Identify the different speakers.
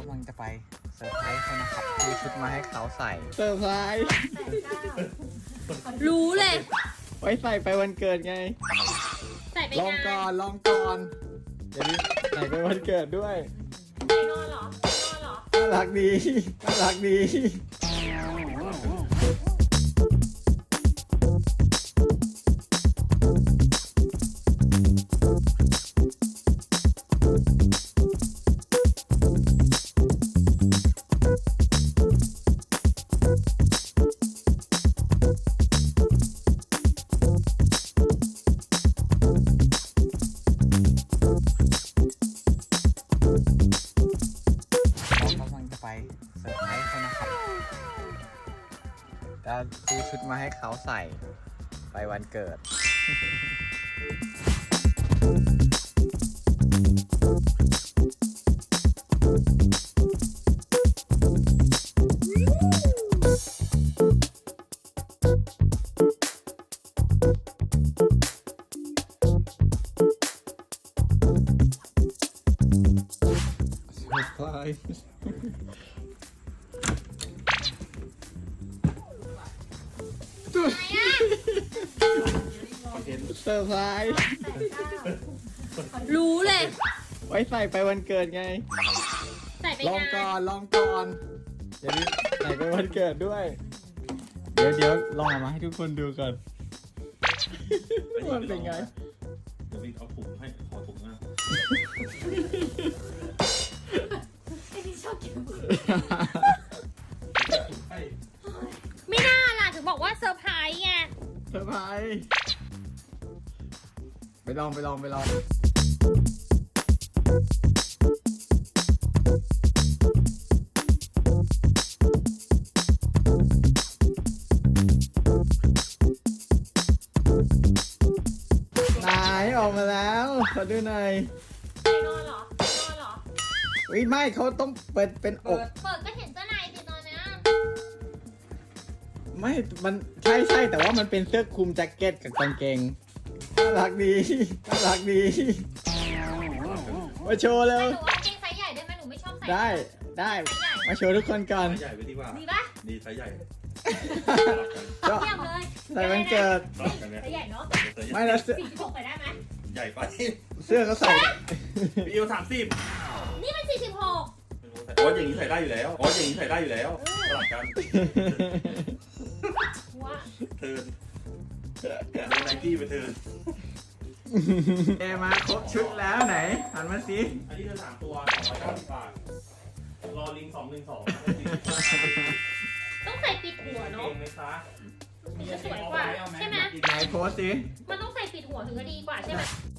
Speaker 1: กำลังจะไปเซอร์ไพรส์เขานะครับซื้อชุดมาให้เขาใส่
Speaker 2: เซอร์ไพรส์
Speaker 3: รู้เลย
Speaker 2: ไว้ใส่ไปวันเกิดไง
Speaker 3: ใส่ไป
Speaker 2: ลอง
Speaker 3: งาน
Speaker 2: ก่อนลองก่อนเดี๋ยวนี้ใส่ไปวันเกิดด้วย
Speaker 3: ไปนอนเหรอไปนอนเหรอ
Speaker 2: น่ารักดีน่ารักดี
Speaker 1: เรากำลังจะไปเซอร์ไพรส์เขานะครับจะซื้อชุดมาให้เขาใส่ไปวันเกิด
Speaker 2: เซอร์ไพรส์เซอร์ไพรส์
Speaker 3: รู้เลย
Speaker 2: ไว้ใส่ไปวันเกิดไง
Speaker 3: ใส่ไป
Speaker 2: ลอง
Speaker 3: งาน
Speaker 2: ก่อนลองก่อนเดี๋ยวนี้ใส่ไปวันเกิดด้วย เดี๋ยวลองออกมาให้ทุกคนดูก่อนมันเป็นไง
Speaker 4: เดี๋ยวพี่เอาถุงให้ขอถุงนะ
Speaker 3: ไอ้ที่ชอบกิน
Speaker 4: ให้
Speaker 3: ไม่น่าล่ะถึงบอกว่าเซอร์ไพรส์ไง
Speaker 2: เซอร์ไพรส์ไปลองไหนออกมาแล้วขอดูหน่อย
Speaker 3: ไปนอนเหรอไปนอนเหรอ
Speaker 2: อุ้ยไม่เขาต้องเปิดเป็นอก
Speaker 3: เปิดก็เห็นเสื้อในสิตอนเนี้ย
Speaker 2: ไม่ มันใช่แต่ว่ามันเป็นเสื้อคลุมแจ็คเก็ตกับกางเกงน่ารักดีน่ารักดีมาโชว์เร็ว
Speaker 3: หนูเอาเกงไซส์ใหญ่ได้ไหมหนูไม่ชอบใส่
Speaker 2: ได้มาโชว์ทุกคนก่อน
Speaker 4: ไซส์ใหญ่ไปดีกว่า
Speaker 3: ดีปะ
Speaker 4: ดีไซส์ใหญ่
Speaker 2: ก็
Speaker 3: เยี่ยมเลย
Speaker 2: ใส่วันเกิด
Speaker 4: สลับกันเนี่ย
Speaker 3: ไซส์ใหญ่เนาะ
Speaker 2: ไม่แล้วเสื้อ
Speaker 3: 46ไปได้ไหม
Speaker 4: ใหญ่ไป
Speaker 2: เสื้อเขาใส่
Speaker 4: พี่เอว30
Speaker 3: นี่มัน46
Speaker 4: โอ้ยอย่างนี้ใส่ได้อยู่แล้วสลับกัน
Speaker 3: ว่า
Speaker 4: เทิร์นโดนไนกี้ไปเทิร์น
Speaker 2: เอมาครบชุดแล้วไหนหันมาสิ
Speaker 4: อันนี้จะ3ตัว290 บาทรอลิง212
Speaker 3: ต้องใส่ปิดหัวเนาะ
Speaker 4: เก่งไหมคะ
Speaker 3: มันจะสวยกว่าใช่ไหม
Speaker 2: ไหนโพสสิ
Speaker 3: มันต้องใส่ปิดหัวถึงจะดีกว่าใช่ไหม